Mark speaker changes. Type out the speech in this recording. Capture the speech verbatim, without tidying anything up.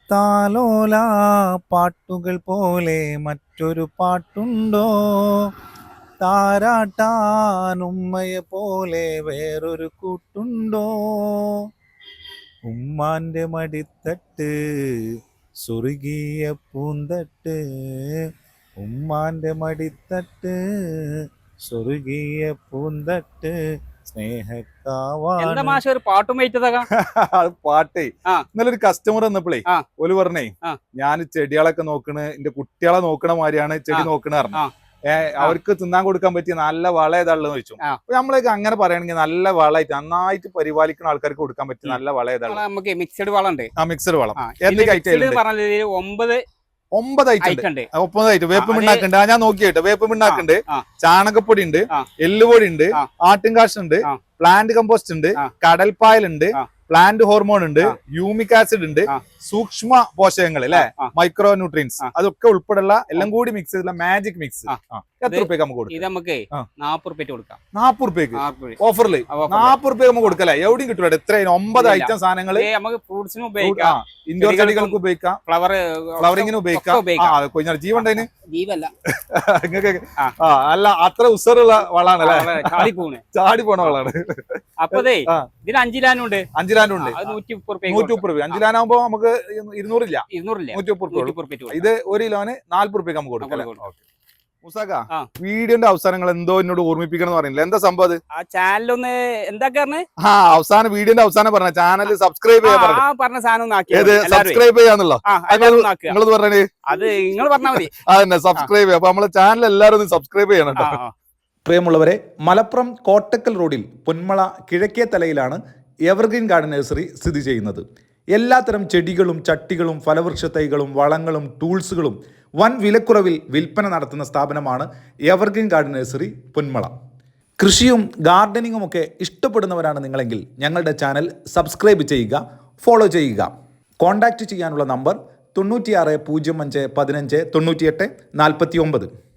Speaker 1: താലോല പാട്ടുകൾ പോലെ മറ്റൊരു പാട്ടുണ്ടോ? താരാട്ടാൻ ഉമ്മയെ പോലെ വേറൊരു കൂട്ടുണ്ടോ? ഉമ്മാന്റെ മടിത്തട്ട് സ്വർഗീയ പൂന്തട്ട്, ഉമ്മാന്റെ മടിത്തട്ട് സ്വർഗീയ പൂന്തട്ട്
Speaker 2: എന്താ
Speaker 1: സ്നേഹക്കാവാണ്.
Speaker 2: മാഷ ഒരു പാട്ടും വെയിറ്റതാകാം.
Speaker 3: അത് പാട്ടേ
Speaker 2: ആ.
Speaker 3: ഇന്നലെ ഒരു കസ്റ്റമർ വന്നപ്പോഴേ
Speaker 2: ആ.
Speaker 3: ഓല് പറഞ്ഞേ
Speaker 2: ആ.
Speaker 3: ഞാൻ ചെടികളൊക്കെ നോക്കണ് എന്റെ കുട്ടികളെ നോക്കണ മാതിരിയാണ് ചെടി
Speaker 2: ആ.
Speaker 3: നോക്കണ പറഞ്ഞു.
Speaker 2: ആ.
Speaker 3: ഏഹ് അവർക്ക് തിന്നാൻ കൊടുക്കാൻ പറ്റിയ നല്ല വളം ഏതാണെന്ന് ചോദിച്ചു.
Speaker 2: ആ.
Speaker 3: അപ്പൊ നമ്മളൊക്കെ അങ്ങനെ പറയുകയാണെങ്കിൽ നല്ല വളമായിട്ട് നന്നായിട്ട് പരിപാലിക്കുന്ന ആൾക്കാർക്ക് കൊടുക്കാൻ പറ്റിയ നല്ല വളം ഏതാണ്?
Speaker 2: നമുക്ക് മിക്സഡ് വളം ഉണ്ട്.
Speaker 3: ആ മിക്സഡ് വളം
Speaker 2: ആ,
Speaker 3: എന്തൊക്കെ
Speaker 2: ഇതില്
Speaker 3: ഐറ്റം
Speaker 2: mixed പറഞ്ഞാല് ഒമ്പത്
Speaker 3: ഒമ്പത് ഐറ്റം ഉണ്ട്.
Speaker 2: ഐറ്റം ഉണ്ട്.
Speaker 3: ഒമ്പത് ഐറ്റം. വേപ്പ്
Speaker 2: ആ, അത്
Speaker 3: മിണ്ണാക്കുണ്ട്. ആ ഞാൻ നോക്കിയിട്ട് വേപ്പ് മിണ്ണാക്കുണ്ട്,
Speaker 2: ആ.
Speaker 3: ചാണകപ്പൊടി ഉണ്ട്,
Speaker 2: ആ.
Speaker 3: എല്ലുപൊടി ഉണ്ട്,
Speaker 2: ആ.
Speaker 3: ആട്ടിൻകാശ് ഉണ്ട്,
Speaker 2: ആ.
Speaker 3: പ്ലാന്റ് കമ്പോസ്റ്റ് ഉണ്ട്,
Speaker 2: ആ.
Speaker 3: കടൽപ്പായൽ ഉണ്ട്,
Speaker 2: ആ.
Speaker 3: പ്ലാന്റ് ഹോർമോൺ ഉണ്ട്,
Speaker 2: ആ.
Speaker 3: യൂമിക് ആസിഡ് ഉണ്ട്,
Speaker 2: ആ.
Speaker 3: സൂക്ഷ്മ പോഷകങ്ങൾ അല്ലെ,
Speaker 2: ആ.
Speaker 3: മൈക്രോ ന്യൂട്രിയൻസ്,
Speaker 2: ആ.
Speaker 3: അതൊക്കെ ഉൾപ്പെടെയുള്ള എല്ലാം കൂടി മിക്സ് ചെയ്തുള്ള മാജിക് മിക്സ്.
Speaker 2: ആ.
Speaker 3: എത്ര
Speaker 2: ഇത്
Speaker 3: റുപ്യക്ക് നമുക്ക്
Speaker 2: ഇത്
Speaker 3: കൊടുക്കാം?
Speaker 2: നമുക്ക്
Speaker 3: ആ.
Speaker 2: നാപ്പത് റുപ്യ കൊടുക്കാം.
Speaker 3: നാപ്പത് റുപ്യക്ക്
Speaker 2: നാപ്പത് രൂപ.
Speaker 3: ഓഫറില്
Speaker 2: ആ, offer ല്.
Speaker 3: നാപ്പത് റുപ്യക്ക് നമുക്ക് കൊടുക്കല്ലേ? എവിടെയും കിട്ടൂല. എത്ര ഒമ്പത്
Speaker 2: ഇല്ല.
Speaker 3: ഐറ്റം സാധനങ്ങള്
Speaker 2: ഇത് നമുക്ക് ഫ്രൂട്ട്സിനും ഉപയോഗിക്കാം,
Speaker 3: ഇൻഡോർ
Speaker 2: ചെടികൾക്കും
Speaker 3: ചെടികൾക്ക് ഉപയോഗിക്കാം,
Speaker 2: ഫ്ലവർ
Speaker 3: ഫ്ലവറിങ്ങിന് ഉപയോഗിക്കാം. ആ കൊഞ്ഞ ജീവണ്ടതിന്
Speaker 2: ജീവല്ല
Speaker 3: നിങ്ങൾക്ക്
Speaker 2: ആ.
Speaker 3: ആ അല്ല അത്ര ഉസറുള്ള വളാണല്ലേ?
Speaker 2: ചാടിപ്പോണ്.
Speaker 3: ചാടി പോണ വളാണ്.
Speaker 2: അപ്പതേ
Speaker 3: ആ.
Speaker 2: ഇതിന് അഞ്ചിലാനും ഉണ്ട്,
Speaker 3: അഞ്ചിലാനും ഉണ്ട്.
Speaker 2: അത് നൂറ്റി മുപ്പത് റുപ്യ
Speaker 3: നൂറ്റി മുപ്പത് രൂപ. അഞ്ചിലാനാകുമ്പോ നമുക്ക് ഇരുന്നൂറില്ല,
Speaker 2: ഇരുന്നൂറില്ല,
Speaker 3: നൂറ്റി മുപ്പത്
Speaker 2: നൂറ്റി
Speaker 3: രൂപ.
Speaker 2: മുപ്പത് റുപ്യ
Speaker 3: ഇത് ഒരു കിലോന് നാല്പത് റുപ്യക്ക് നമുക്ക് കൊടുക്കാം.
Speaker 2: കൊടുക്കാം.
Speaker 3: മുസാക്ക
Speaker 2: ആ.
Speaker 3: വീഡിയോന്റെ അവസാനങ്ങൾ എന്തോ എന്നോട് ഓർമ്മിപ്പിക്കണം എന്ന് പറയുന്നില്ല, എന്താ സംഭവം അത്?
Speaker 2: ആ ചാനലൊന്ന് എന്താ പറഞ്ഞേ?
Speaker 3: ആ അവസാനം വീഡിയോന്റെ അവസാനം പറഞ്ഞ ചാനൽ സബ്സ്ക്രൈബ് ചെയ്യാൻ പറഞ്ഞു.
Speaker 2: ആ പറഞ്ഞ സാധനം ഒന്ന് ആക്കി
Speaker 3: ഏത്
Speaker 2: എല്ലാവരും.
Speaker 3: സബ്സ്ക്രൈബ് ചെയ്യാന്നുള്ളോ?
Speaker 2: ആ, എല്ലാവരും ഒന്ന് ആക്കുക.
Speaker 3: നിങ്ങളത് പറഞ്ഞേ.
Speaker 2: അത് നിങ്ങൾ പറഞ്ഞാൽ മതി.
Speaker 3: അതന്നെ സബ്സ്ക്രൈബ് ചെയ്യാം. അപ്പൊ നമ്മളെ ചാനൽ എല്ലാവരും ഒന്ന് സബ്സ്ക്രൈബ് ചെയ്യണം
Speaker 2: ആ,
Speaker 3: കേട്ടോ.
Speaker 2: ആ.
Speaker 4: പ്രിയമുള്ളവരെ, മലപ്പുറം കോട്ടക്കൽ റോഡിൽ പൊന്മള കിഴക്കേ തലയിലാണ് എവർഗ്രീൻ ഗാർഡൻ നഴ്സറി സ്ഥിതി ചെയ്യുന്നത്. എല്ലാത്തരം ചെടികളും ചട്ടികളും ഫലവൃക്ഷ തൈകളും വളങ്ങളും ടൂൾസുകളും വൻ വിലക്കുറവിൽ വിൽപ്പന നടത്തുന്ന സ്ഥാപനമാണ് എവർഗ്രീൻ ഗാർഡൻ നഴ്സറി പൊന്മള. കൃഷിയും ഗാർഡനിങ്ങും ഒക്കെ ഇഷ്ടപ്പെടുന്നവരാണ് നിങ്ങളെങ്കിൽ ഞങ്ങളുടെ ചാനൽ സബ്സ്ക്രൈബ് ചെയ്യുക, ഫോളോ ചെയ്യുക. കോൺടാക്റ്റ് ചെയ്യാനുള്ള നമ്പർ തൊണ്ണൂറ്റിയാറ് പൂജ്യം അഞ്ച് പതിനഞ്ച് തൊണ്ണൂറ്റിയെട്ട് നാൽപ്പത്തി ഒമ്പത്.